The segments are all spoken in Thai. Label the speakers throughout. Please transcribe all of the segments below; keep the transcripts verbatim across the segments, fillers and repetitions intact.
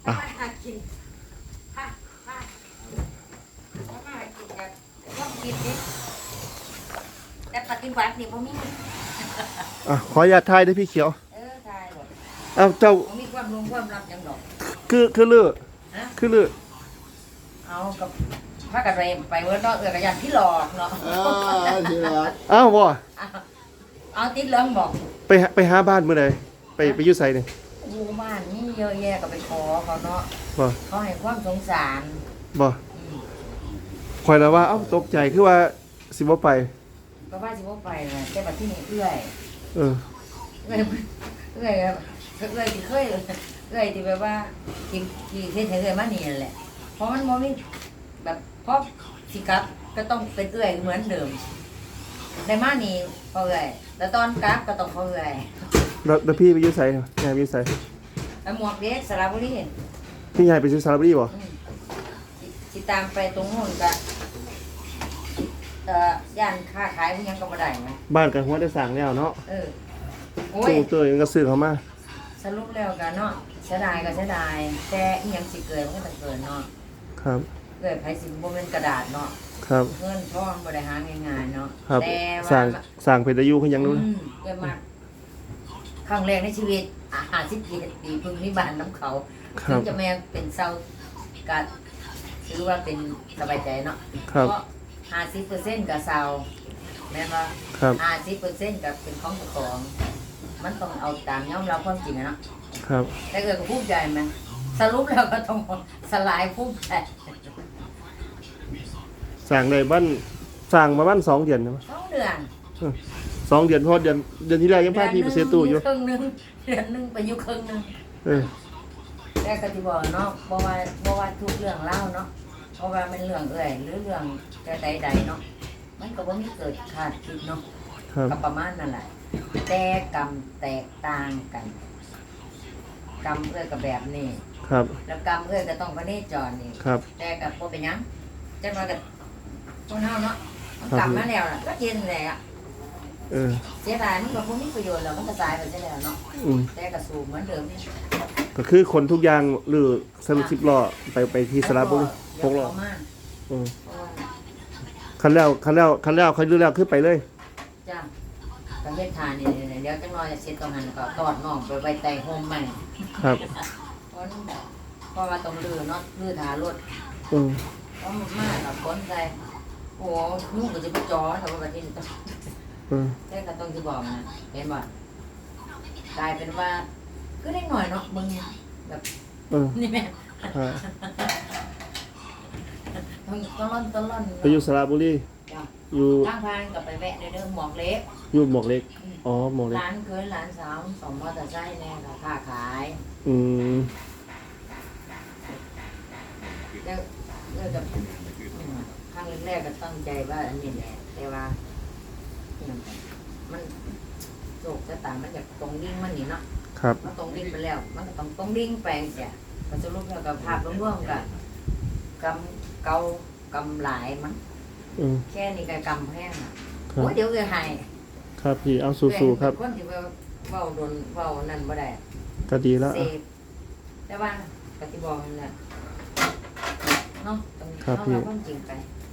Speaker 1: อ่ะ
Speaker 2: มาหากินค่ะค่ะมาหากินกันต้องกินดิแต่ปฏิบัตินี่ผมมี
Speaker 1: อ่ะขออนุญาตทายด้วยพี่เขียว
Speaker 2: เออทายหรอก
Speaker 1: อ้าวเจ้า
Speaker 2: ผมมีความรู้ความลับยังดอก
Speaker 1: คือคือลือ
Speaker 2: นะ
Speaker 1: คือลือ
Speaker 2: เอากับพากันไปไปเวิร์ดเนาะเอือกระยันพี่หลอกเนาะ
Speaker 3: อ่าทีละ
Speaker 1: อ้าวบ่
Speaker 2: เอาเอาติดเหลืองบอก
Speaker 1: ไปหาไปหาบ้านเมื่อใดไปไปอยู่ไสนี่
Speaker 2: อยู่บ้านนี่เยอะแยะก็ไปขอเขาเนาะ
Speaker 1: บ่
Speaker 2: เขาให้ความสงสาร
Speaker 1: บ่
Speaker 2: อืม
Speaker 1: ข่อยแล้วว่าเอ้าตกใจคือว่าสิบ่ไป
Speaker 2: ก็ว่าสิว่าไปเลยแต่บัดที่นี่เอื้อย
Speaker 1: เออ
Speaker 2: เอื้อยเอื้อยครับเอื้อยที่เคยเอื้อยที่แบบว่าที่ที่เฮ็ดให้เอื้อยมานี่นั่นแหละเพราะมันบ่มีแบบเพราะสิกลับก็ต้องเป็นเอื้อยเหมือนเดิมในมานี่พอเอื้อยแล้วตอนกลับก็ต้องพอเอื้อย
Speaker 1: แล้วแล้วพี่ไปอยู่ไสยายไปอยู่ไส
Speaker 2: แล้วหมวกเด็กสระบุรี
Speaker 1: พี่ยายไปอยู่สระบุรีบ่
Speaker 2: อืมสิสิตามไปตรงนู้นก็เอ่อย่านค้าขายพวกยังก็บ่ได้นะ
Speaker 1: บ้านกันหัวได้สร้างแล้วเนาะ
Speaker 2: เออโอ้ย
Speaker 1: ตู้เตยก็ซื้อเข้ามา
Speaker 2: สรุปแล้วกันเนาะเสียดายก็เสียดายแต่อีหยังสิเกิดมันก็ต้องเกิดเนาะ
Speaker 1: ครับ
Speaker 2: เกิดไผสิบ่เป็นกระดาษเนาะ
Speaker 1: ครับ
Speaker 2: เงินทองบ่ได้หาง่ายๆเนาะ
Speaker 1: ครับ
Speaker 2: แต่
Speaker 1: สร้า
Speaker 2: ว่าง
Speaker 1: สร้างเป็นอายุคือหยังนู้น
Speaker 2: อืมเกิดมาครั้งแรกในชีวิตอ่ะห้าสิบเจ็ดปีเพิ่งมีบ้านน้ำเขา
Speaker 1: ค
Speaker 2: ถึ
Speaker 1: รั
Speaker 2: ง
Speaker 1: บ
Speaker 2: จะแม่เป็นเศร้าก็ถือว่าเป็นสบายใจเนาะ
Speaker 1: ครับ
Speaker 2: เพราะห้าสิบเปอร์เซ็นต์ก็เศร้าแม่นว่า
Speaker 1: ครับ
Speaker 2: ห้าสิบเปอร์เซ็นต์ก็เป็นของเจ้าของ มันต้องเอาตามยอมรับความจริงอะเนาะ
Speaker 1: ครับ
Speaker 2: แต่เกิดก็ภูมิใจไหมสรุปแล้วก็ต้องสลายภูมิใจ
Speaker 1: สร้างได้บ้านสร้างมาบ้านสองเดือนนะ
Speaker 2: สองเดือน
Speaker 1: สองเดือนเพราะเดือนเดือนที่แล้วยังพาพี่ไปซื้อตู้อยู่
Speaker 2: ครึ่งหนึงเดือนหนึงไปอยู่ครึ่งหนึง
Speaker 1: เออ
Speaker 2: แต่ก็ที่บอกเนาะบ่ว่าบ่ว่าทุกเรื่องเล่าเนาะเพราะว่าเป็นเรื่องเอื่อยหรือเรื่องแต่ใดๆเนาะมันก็บ่มีเกิดขาดคิดเนาะ
Speaker 1: ครับ
Speaker 2: ก็ประมาณนั่นแหละแต่กรรมแตกต่างกัน กรรมเอื้อยกับแบบนี้
Speaker 1: ครับ
Speaker 2: แล้วกรรมเอื้อยก็ต้องพระเนจรนี่
Speaker 1: ครับ
Speaker 2: แต่กับบ่เป็นหยังจังว่ากับคนเฮาเนาะมัน
Speaker 1: ครับ
Speaker 2: กลับมาแล้วล่ะก็เย็นแหละ
Speaker 1: เออ
Speaker 2: เสียดายมันก็บ่มีประโยชน์แล้วมันก็ตายไปซะแล้วเนาะ
Speaker 1: อืม
Speaker 2: แต่ก็สู้เหมือนเดิมนี่
Speaker 1: ก็คือคนทุกอย่างหรือสรุปสิบล้อไปไปที่สระบุรีหกล้อ
Speaker 2: ประมาณ
Speaker 1: อืม
Speaker 2: เพราะว่า
Speaker 1: คันแล้วคันแล้วคันแล้วคันรู้แล้วคือไปเลย
Speaker 2: จ้าประเทศทานนี่เดี๋ยวจังน้อยจะเสร็จตรงนั้นก็ตอดน้องไปไว้ใต้โฮมใหม่
Speaker 1: ครับ
Speaker 2: เพราะเพราะว่าต้องลื้อเนาะลื้อถารถ
Speaker 1: อืม
Speaker 2: เพราะมันมากกับคนใจโอ้นุ่งก็จะไปจอแต่ว่าประเทศนี้ต้อง
Speaker 1: อืม
Speaker 2: แต่ก็ต้องจะบอกนะเห็นบ่กลายเป็นว่าก็ได้หน่อยเนาะมึงแบบ
Speaker 1: เออ
Speaker 2: นี่แม่
Speaker 1: อ่า
Speaker 2: ต้องต้องร่อนต้องร่อน
Speaker 1: ไปอยู่สระบุรี
Speaker 2: จ้ะ
Speaker 1: อยู่
Speaker 2: ทางพานกับไปแวะเด้อหมอกเล็ก
Speaker 1: อยู่หมวกเล็กอ๋อหมวกเล็ก
Speaker 2: ร้านเคยร้านสาวสองมอเตอร์ไซค์แน่ค่ะค้าขาย
Speaker 1: อืม
Speaker 2: แล้วเลิกกับอืมครั้งแรกๆก็ตั้งใจว่าอันนี้แหละแต่ว่าเนี่ยมันโศกชะตามันอยากตรงดิ่งมันนี่เนาะ
Speaker 1: ครับ
Speaker 2: มันตรงดิ่งไปแล้ว มันก็ต้องตรงดิ่งไปเสียมันจะรูปแล้วกับภาพร่วมๆกับกำเกากำหลายมั้ง
Speaker 1: อืม
Speaker 2: แค่นี้ก็กำแห้งอ่ะ
Speaker 1: ครับ
Speaker 2: โอ้ยเดี๋ยวจะหาย
Speaker 1: ครับพี่เอาสู้ๆครับ
Speaker 2: คนที่ว่าเว้าโดนเว้านั่นบ่ได้
Speaker 1: ก็ดีแล้ว
Speaker 2: เส
Speaker 1: อ่ะ
Speaker 2: พแต่ว่าปฏิบอกนั่นแหละเนาะต้อง
Speaker 1: ครับ
Speaker 2: ต้อง
Speaker 1: พี่
Speaker 2: เอาความจริงไป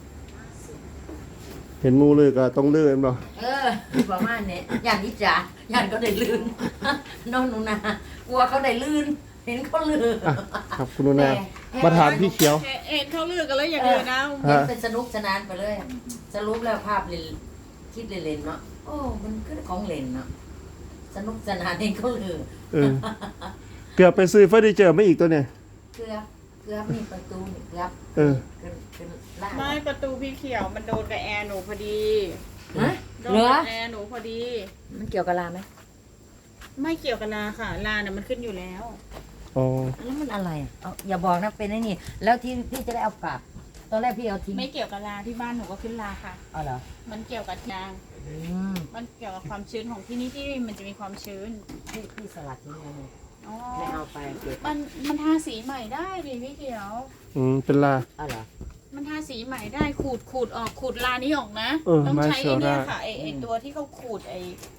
Speaker 1: เห็นหมูเลยก็ต้องเลื่อนบ่
Speaker 2: เออประมาณนี้อย่างนี้จ๋าอย่างก็ได้ลื่น น้องหนูนากลัวเขาได้ลื่น เห็นเขาลื่น
Speaker 1: อ่ะครับคุณนุนา
Speaker 2: แต่
Speaker 1: มาถามพี่เขียว
Speaker 4: เอ็ดเขาเลือกกันแล้วอย่างอื่นนะ
Speaker 2: เห็นเป็นสนุกสนานไปเลย สรุปแล้วภาพเล่นคิดเล่นๆเนาะโอ้มันก็ของเล่นเนาะสนุกสนานเองเขาลือ
Speaker 1: เออ เกือบไปซื้อเฟอร์นิเจอร์ไม่อีกตัวเนี่ย
Speaker 2: เกือบเกือบนี่ประตูนี่เกือบ
Speaker 1: เออ
Speaker 2: ขึ้นขึ้นล่าง
Speaker 4: ไม่ประตูพี่เขียวมันโดนกับแอร์หนูพอดี
Speaker 2: ฮะ
Speaker 4: โด
Speaker 2: เห
Speaker 4: น
Speaker 2: ลือ
Speaker 4: กับแอร์หนูพอดี
Speaker 2: มันเกี่ยวกับลาไหม
Speaker 4: ไม่เกี่ยวกับลาค่ะ ลาเนี่ยมันขึ้นอยู่แล้ว
Speaker 1: อ๋อ
Speaker 2: แล้วมันอะไรอ่ะเอาอย่าบอกนะเป็นไอ้นี่ แล้วที่พี่จะได้เอากลับ ตอนแรกพี่เอาทิ้ง
Speaker 4: ไม่เกี่ยวกับลาที่บ้านหนูก็ขึ้นลาค่ะ
Speaker 2: เอาเหรอ
Speaker 4: มันเกี่ยวกับยาง
Speaker 2: อืม
Speaker 4: มันเกี่ยวกับความชื้นของที่นี่ที่มันจะมีความชื้น
Speaker 2: พี่พี่สลัดทิ้งเลย
Speaker 4: อ๋อ
Speaker 2: ไม่เอาไปเก็บ
Speaker 4: มันมันทาสีใหม่ได้ดิพี่เขียว
Speaker 1: อืมเป็นลา
Speaker 2: เอาเหรอ
Speaker 4: มันทาสีใหม่ได้ขูดขูดออกขูดลานี้ออกนะ
Speaker 1: เออ
Speaker 4: ต้องใช้
Speaker 1: ไม่เชียว
Speaker 4: ไอ้เนี่ย
Speaker 1: ได้
Speaker 4: ค่ะไอไอ
Speaker 2: อืม
Speaker 4: ตัวที่เขาขูดไอผ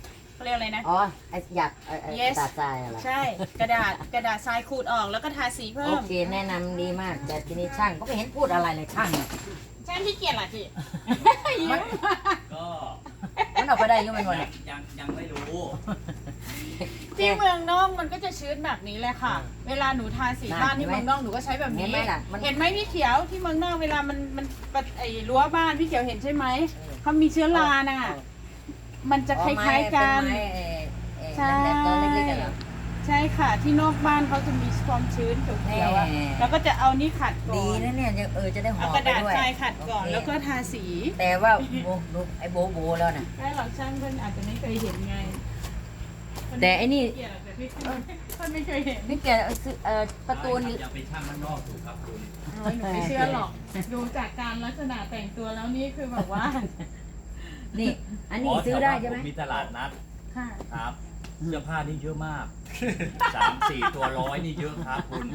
Speaker 4: เขาเรียกอะไรนะ
Speaker 2: อ๋อไออยากไอ้ไอ้ก
Speaker 4: Yes
Speaker 2: ระดาษทรายอะไร
Speaker 4: ใช่กระดาษกระดาษทรายขูดออกแล้วก็ทาสีเพิ่
Speaker 2: โอ
Speaker 4: ม
Speaker 2: เคแนะนำดีมากแต่ทีนี้ช่างก็ไม่เห็นพูดอะไรเลยช่างเนี่ย
Speaker 4: ใช่ที่เกียจเหรอพี่
Speaker 2: มัน
Speaker 3: ก็
Speaker 2: มันออกไปได้อยังไงวะเนี่ย
Speaker 3: ยังยังไม่รู้
Speaker 4: ที่เมืองนอกมันก็จะชื้นแบบนี้แหละค่ะ เวลาหนูทาสีบ้านที่เมืองนอกหนูก็ใช้แบบ
Speaker 2: เห็
Speaker 4: นี้
Speaker 2: นไหมล่ะมัน
Speaker 4: เห็นไหมพี่เขียวที่เมืองนอกเวลามันมันไอ้รั้วบ้านพี่เขียวเห็นใช่ไหมเขามีเชื้อราน่ะ มันจะคล้ายๆกัน
Speaker 2: อ๋อไม้
Speaker 4: ใช่
Speaker 2: เป็นไม้เอ่อเอ่อแหลมๆตัวเล็กๆกันเหรอ
Speaker 4: ใช่ค่ะที่นอกบ้านเขาจะมีความชื้นเขียวๆอะ
Speaker 2: แน่
Speaker 4: แล้วก็จะเอานี่ขัดก่อน
Speaker 2: ดีนะเนี่ยยังเออจะได้หอ
Speaker 4: เอา
Speaker 2: ม
Speaker 4: กระ
Speaker 2: ไป
Speaker 4: ดาษ
Speaker 2: ด้วย
Speaker 4: ทรายขัดก่อน
Speaker 2: โเค
Speaker 4: แล้วก็ทาสี
Speaker 2: แต่ว่าโบโบไอ้โบโบแล้วน่ะ
Speaker 4: ได้หรอกช่างเพื่อนอาจจะไม่เคยเห็นไง
Speaker 2: แต่ไอ้นี่
Speaker 4: เกลียดแต่พี่เพื่อนไม่เคยเห็น
Speaker 2: นี่แกเอาซื้อเอ่อประตูนี่
Speaker 3: ยังเป็นช่างมันนอกอยู่ครับคุณ
Speaker 4: โอ้ยหนูไม่เชื่อหรอก ดูจากการลักษณะแต่งตัวแล้วนี่คือแบบว่า
Speaker 2: นี่ อันนี้ซื้อได้ใช่ไหม
Speaker 3: ผมีตลาดนัด
Speaker 4: ค่ะ
Speaker 3: ครับเสื้อผ้านี่เยอะมากสามสี่ตัวร้อยนี่เยอะครับคุณ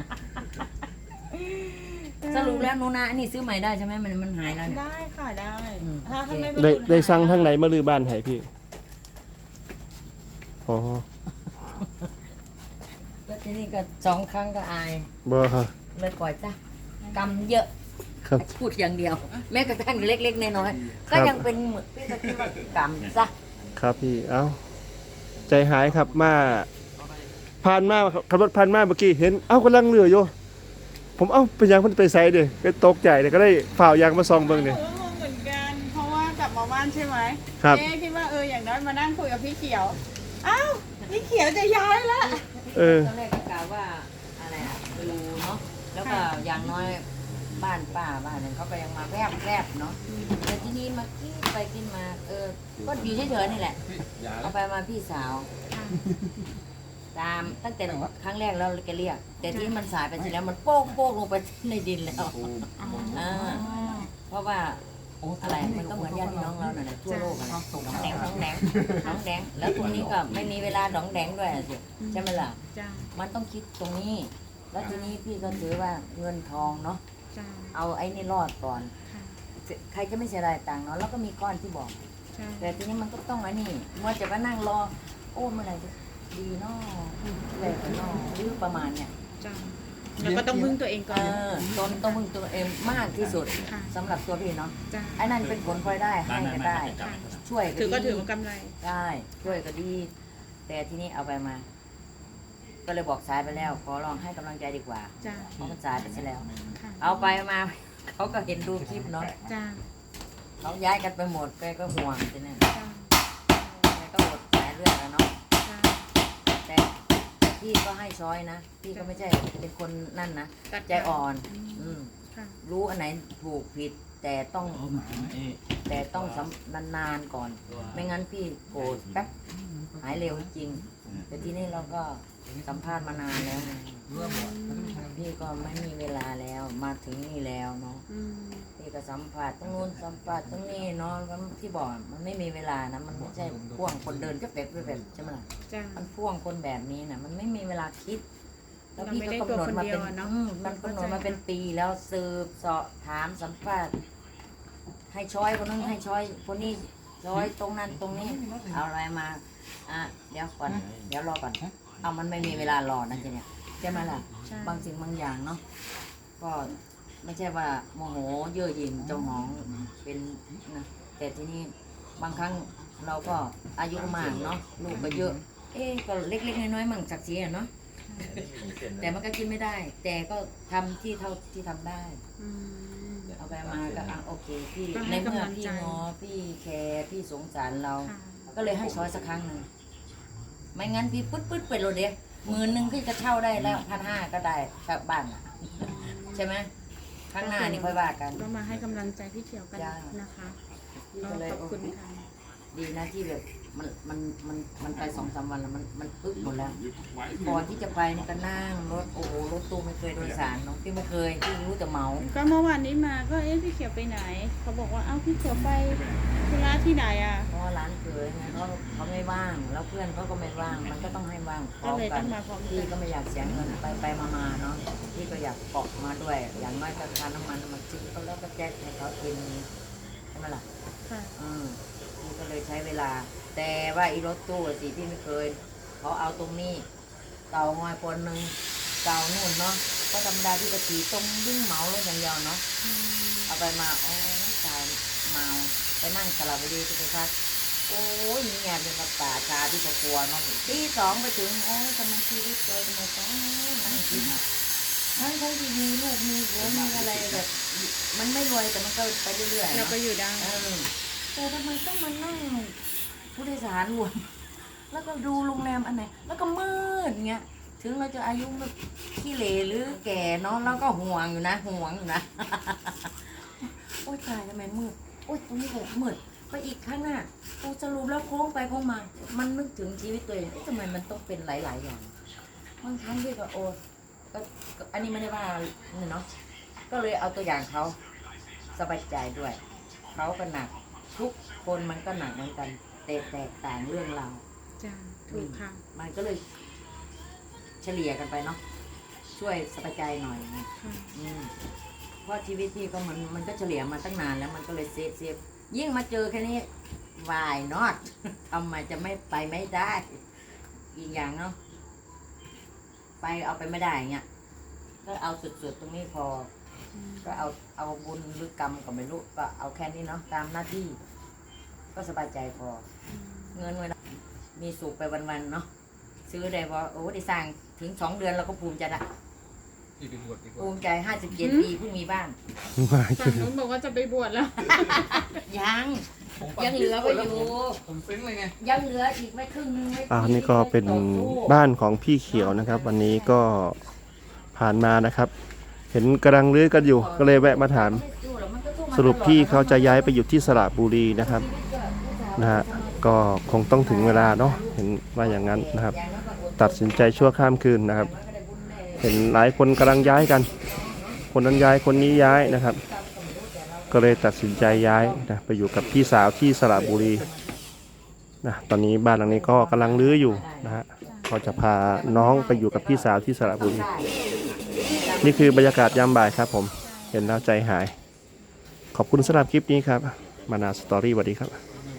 Speaker 2: สรุปแล้วหนูนาอันนี้ซื้อใหม่ได้ใช่ไหมมันมันหายแล้วเนี่ย
Speaker 4: ได้ค่ะได้
Speaker 2: อืม
Speaker 4: ถ้าท่านไม่
Speaker 1: ได้
Speaker 4: ประมูล
Speaker 1: ได้สั่ง
Speaker 4: หา
Speaker 1: ทางไหนมาลือบ้านให้พี่อ๋อ
Speaker 2: แล้วทีนี้ก็สองครั้งก็อาย
Speaker 1: บ่ฮะ
Speaker 2: เลยปล่อยจ้ะกำเยอะ
Speaker 1: ครับ
Speaker 2: พูดอย่างเดียว แม้กระทั่งเล็กๆน้อยๆก็ยังเป็นเหมือนพี่ก็คิดว่ากำซะ
Speaker 1: ครับพี่เอ้าใจหายครับมาผ่านมาขับรถผ่านมาเมื่อกี้เห็นเอ้ากำลังเรืออยู่ผมเอ้าเป็นยังมันไปไซด์เด้ก็ตกใจเลยก็ได้ฝ่าวยางมาซองเบิ่ง
Speaker 4: ห
Speaker 1: เด้
Speaker 4: นูก็งงเหมือนกัน เพราะว่ากลับมาบ้านใช่ไหม
Speaker 1: ครับ
Speaker 4: เอ๊ะคิดว่าเอออย่างน้อยมานั่งคุยกับพี่เขียว อ้าวพี่เขียวจะย้ายละ
Speaker 1: เออ
Speaker 2: ตอนแรกก็กล่าวว่าอะไรอ่ะดูเนาะแล้วก็อย่างน้อยบ้านป้าบ้านนั้นเขาก็ยังมาแวบแวบๆเนาะแต่ที่นี่มากินไปกินมา เออก็อยู่เฉยๆนี่แหละเอาไปมาพี่สาว ตามตั้งแต่ครั้งแรกแล้วแกเรียก แต่ที่มันสายไปเสร็จแล้วมันโป๊กโป๊กลงไปในดินแล้วอ่าเพราะว่าอะไรมันก็เหมือนญาติพี่น้องเราเนี่ยทั่วโลกอะนะน้องแดงน้องแดงน้องแดงแล้วตรงนี้ก็ไม่มีเวลาน้องแดงด้วยอะสิใช่ไหมล่ะ
Speaker 4: จ้า
Speaker 2: มันต้องคิดตรงนี้ แล้วทีนี้พี่ก็ถือว่าเงินทองเนาะ
Speaker 4: จ้า
Speaker 2: เอาไอ้นี่รอดก่อน
Speaker 4: ค่ะ
Speaker 2: ใครจะไม่เสียดายตังค์เนาะแล้วก็มีก้อนที่บอก
Speaker 4: ใช่
Speaker 2: แต่ทีนี้มันก็ต้องไอ้นี่มัวจะมานั่งรอ โอ้เมื่อไหร่จะดีเนาะอะไรกันเนาะหรือประมาณเนี่ย
Speaker 4: จ้าแล้วก็ต้องพึ่งตัวเองก่
Speaker 2: เอ
Speaker 4: อน
Speaker 2: อตนต้องพึ่งตัวเองมากที่สุด
Speaker 4: ค่ะ
Speaker 2: สำหรับตัวพี่เนาะ
Speaker 4: จ้า
Speaker 2: ไอ้นั่นเป็นผลพลอยได้ให้ก็ได้
Speaker 4: ค่ะ
Speaker 2: ช่วย
Speaker 4: ถือก็
Speaker 2: ก็
Speaker 4: ถื
Speaker 2: ดี
Speaker 4: อว่ากำไร
Speaker 2: ได้ช่วยก็ดี แต่ทีนี้เอาไปมา ก็เลยบอกสายไปแล้ว ขอลองให้กำลังใจดีกว่า
Speaker 4: จ้า
Speaker 2: เพราะมันสายไปซะแล้ว
Speaker 4: ค่ะ
Speaker 2: เอาไปมา เขาก็เห็นดูคลิปเนาะ
Speaker 4: จ้า
Speaker 2: เขาย้ายกันไปหมดแกก็ห่วงใช่ไหม
Speaker 4: จ้า
Speaker 2: แกก็อดสายเลือดแล้วเนาะ
Speaker 4: จ้า
Speaker 2: แต่แต่พี่ก็ให้ช้อยนะ พี่ก็ไม่ใช่เป็นคนนั่นนะ
Speaker 4: ตัด
Speaker 2: ใจอ่อน อืม
Speaker 4: ค่ะ
Speaker 2: รู้อันไหนถูกผิด แต่ต้องแต่ต้องสำนานๆก่อน ไม่งั้นพี่โกรธแป๊บหายเร็วจริง แต่ที่นี่เราก็สัมภาษณ์มานานแล้วไงพี่ก็ไม่มีเวลาแล้วมาถึงนี่แล้วเนาะ
Speaker 4: อืม
Speaker 2: พี่ก็สัมผัสตรงนู้นสัมผัสตรงนี้เนาะก็ที่บอกมันไม่มีเวลานะมันไม่ใช่พ่วงคนเดินก็แบบแบบใช่ไหมล่ะ
Speaker 4: จ้า
Speaker 2: มันพ่วงคนแบบนี้นะมันไม่มีเวลาคิด แล้ว
Speaker 4: เรา
Speaker 2: พี่
Speaker 4: ไม่
Speaker 2: ก็
Speaker 4: ได้
Speaker 2: กำหนดมาเป็น
Speaker 4: ตัวคนเดียวอะเนอะ
Speaker 2: อืมมันกำหนดมาเป็นปีแล้วสืบเสาะถามสัมภาษณ์ให้ช้อยคนนั้นให้ช้อยคนนี้ช้อยตรงนั้นตรงนี้ เอาอะไรมาอ่ะเดี๋ยวก่อนเดี๋ยวรอก่อนเอามันไม่มีเวลารอนะจ๊ะเนี่ยใช่ไหมล่ะ
Speaker 4: ใช่
Speaker 2: บางสิ่งบางอย่างเนาะก็ไม่ใช่ว่าโมโหเย่อหยิ่งเจ้าหองเป็นนะแต่ทีนี้บางครั้งเราก็อายุมากเนาะลูกก็เยอะ เอ๊ะก็เล็กๆน้อยๆมั่งศักดิ์ศรีอะเนาะแต่มันก็กินไม่ได้ แต่ก็ทำที่เท่าที่ทำได้
Speaker 4: อืม
Speaker 2: เอาไปมาก็อ่ะโอเคพี่
Speaker 4: ต้อง
Speaker 2: ใน
Speaker 4: ให้
Speaker 2: เมื่อก
Speaker 4: ำลัง
Speaker 2: พี่
Speaker 4: ใจ
Speaker 2: งอพี่แคร์พี่สงสารเรา
Speaker 4: ค่ะ
Speaker 2: ก็เลยให้ช้อยสักครั้งหนึ่งไม่งั้นพี่ปึ๊ดปึ๊ดไปเลยเดียวหมื่นหนึ่งพี่ก็เช่าได้แล้วพันห้าก็ได้กลับบ้านอะใช่ไหมข้างหน้านี่ค่อยว่ากัน
Speaker 4: ก็มาให้กำลังใจพี่เขียวกัน
Speaker 2: จ้า
Speaker 4: นะคะ
Speaker 2: พี่
Speaker 4: ก็
Speaker 2: ก็เลย
Speaker 4: ขอบ
Speaker 2: โอ
Speaker 4: คุณ
Speaker 2: เค
Speaker 4: ค่ะ
Speaker 2: ดีนะที่แบบมันมันมันมันไปสองสามวันแล้วมันมันปึ๊บหมดแล้วก่อนที่จะไปนี่ก็นั่งรถโอ้โหรถตู้ไม่เคยโดยสารเนาะพี่ไม่เคยพี่รู้แต่เหมา
Speaker 4: ก็เมื่อวานนี้มาก็เอ๊ะพี่เขียวไปไหน เขาบอกว่าเอ้าพี่เขียวไปธุระที่ไหนอ่ะ
Speaker 2: เพราะว่าร้านเคยไงเขาเขาไม่ว่าง แล้วเพื่อนเขาก็ไม่ว่าง มันก็ต้องให้ว่างพร้
Speaker 4: ก็
Speaker 2: อม
Speaker 4: เลย
Speaker 2: กั
Speaker 4: ต้อน งมาพร้อม
Speaker 2: พี่
Speaker 4: กัน
Speaker 2: ก็ไม่อยากเสียเงินไปไปมามาเนาะพี่ก็อยากเกาะมาด้วย อย่างน้อยก็ค่าน้ำมันมาซื้อเขาแล้วก็แจกให้เขากินใช่ไหมล่ะ
Speaker 4: ค่ะ
Speaker 2: อืมพี่ก็เลยใช้เวลาแต่ว่าอีรถตู้สิพี่ไม่เคยเขาเอาตรงนี้เก่างอยคนหนึ่งเก่านู่นเนาะก็ธรรมดาที่กะตีตรงวิ่งเหมารถอย่างเดียวเนาะเอาไปมาโอ้ชายเมาไปนั่งสลับไปดีจะไปพักโอ้ยมีงานเป็นกับป่าชาที่กลัวเนาะตีสองไปถึงโอ้ยทำไมชีวิตเลยทำไมต้องนั่งกินทั้งทั้งที่มีลูกมีผัวมีอะไรแบบมันไม่รวยแต่มันก็ไปเรื่อยๆ
Speaker 4: เรา
Speaker 2: เนาะ
Speaker 4: ก็อยู่ได้
Speaker 2: เออแต่ทำไมต้องมานั่งผู้โดยสารรวมแล้วก็ดูโรงแรมอันไหนแล้วก็มืดเงี้ยถึงเราจะอายุแบบขี้เหร่หรือแก่เนาะแล้วก็ห่วงอยู่นะห่วงอยู่นะ โอ๊ยตายทำไมมืดโอ๊ยตรงนี้ก็มืดไปอีกข้างหน้าโอ้สรุปแล้วโค้งไปโค้งมา มันนึกถึงชีวิตตัวเองเอ๊ะทำไมมันต้องเป็นหลาย ๆ อย่างบางครั้งด้วยก็โอ้ก็ก็อันนี้ไม่ได้ว่าเนี่ยเนาะก็เลยเอาตัวอย่างเขาสบายใจด้วยเขาก็หนักทุกคนมันก็หนักเหมือนกันแต่แตกต่างเรื่องราว
Speaker 4: จ้าถูกค่ะ
Speaker 2: มันก็เลยเฉลี่ยกันไปเนาะช่วยสบายใจหน่อยนะ
Speaker 4: ค่ะ
Speaker 2: อืมเพราะชีวิตพี่ก็มันมันก็เฉลี่ยมาตั้งนานแล้วมันก็เลยเซฟเซฟยิ่งมาเจอแค่นี้ why not ทำไมจะไม่ไปไม่ได้ อีกอย่างเนาะไปเอาไปไม่ได้เงี้ยก็เอาสุดๆตรงนี้พอ ก็เอาเอาบุญหรือกรรมก็ไม่รู้ก็เอาแค่นี้เนาะตามหน้าที่ ก็สบายใจพอ เงินเวลามีสุขไปวันๆเนาะซื้อได้พอโอ้ได้สร้างถึงสองเดือนเราก็ภูมิใจละ
Speaker 3: อีกเป็นบทอีกบ
Speaker 2: ภู
Speaker 3: ท
Speaker 2: มิใจห้าสิบเจ็ดปีเพิ่งมีบ้าน
Speaker 4: ฝั่งนู้นบอกว่าจะไปบวชแล้ว
Speaker 2: ยังยังเหลือไปอยู่
Speaker 3: ผมซึ้งเลยไง
Speaker 2: ยังเหลืออีกไม่ครึ่งนึงไม่
Speaker 1: อ่านี่ก็เป็นบ้านของพี่เขียวนะครับ วันนี้ก็ผ่านมานะครับ เห็นกำลังรื้อกันอยู่ ก็เลยแวะมาถาม สรุปพี่เขาจะย้ายไปอยู่ที่สระบุรีนะครับนะฮะก็คงต้องถึงเวลาเนาะเห็นว่าอย่างนั้นนะครับ ตัดสินใจชั่วข้ามคืนนะครับ เห็นหลายคนกำลังย้ายกัน คนนั้นย้ายคนนี้ย้ายนะครับ ก็เลยตัดสินใจย้ายนะไปอยู่กับพี่สาวที่สระบุรีนะตอนนี้บ้านหลังนี้ก็กำลังรื้ออยู่นะฮะก็จะพาน้องไปอยู่กับพี่สาวที่สระบุรี นี่คือบรรยากาศยามบ่ายครับผมเห็นแล้วใจหาย ขอบคุณสำหรับคลิปนี้ครับมานาสตอรี่สวัสดีครับ